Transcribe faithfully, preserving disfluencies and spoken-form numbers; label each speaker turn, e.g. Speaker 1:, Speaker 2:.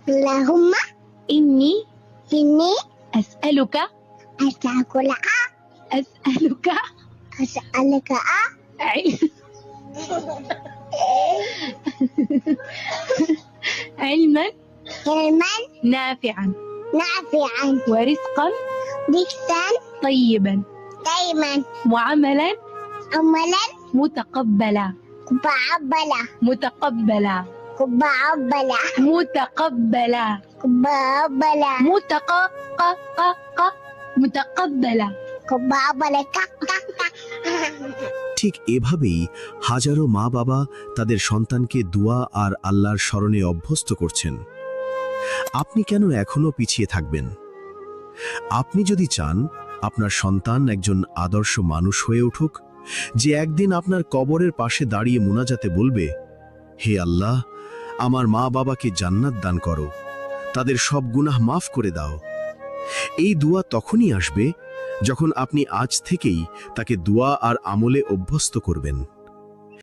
Speaker 1: اللهم
Speaker 2: إني
Speaker 1: إني
Speaker 2: أسألك
Speaker 1: أسألك
Speaker 2: أسألك
Speaker 1: أسألك
Speaker 2: عل- علما
Speaker 1: علما
Speaker 2: نافعا
Speaker 1: نافعا
Speaker 2: ورزقا
Speaker 1: رزقا
Speaker 2: طيبا
Speaker 1: دائما
Speaker 2: وعملا
Speaker 1: عملا
Speaker 2: متقبلا
Speaker 1: متقبلا
Speaker 2: متقبلا
Speaker 1: متقبلا
Speaker 2: متقبلا
Speaker 1: متقبلا
Speaker 2: متق ق ق ق متقبلا
Speaker 1: متقبلا কাক কাক কাক
Speaker 3: ঠিক এভাবেই হাজারো মা বাবা তাদের সন্তানকে দোয়া আর আল্লাহর স্মরণে অভ্যস্ত করছেন। আপনি কেন এখনো পিছিয়ে থাকবেন? আপনি যদি চান আপনার সন্তান একজন আদর্শ মানুষ হয়ে উঠুক, যে একদিন আপনার কবরের পাশে দাঁড়িয়ে মুনাজাতে বলবে, হে আল্লাহ, আমার মা বাবাকে জান্নাত দান করো, তাদের সব গুনাহ মাফ করে দাও, এই দোয়া তখনই আসবে যখন আপনি আজ থেকেই তাকে দোয়া আর আমলে অভ্যস্ত করবেন।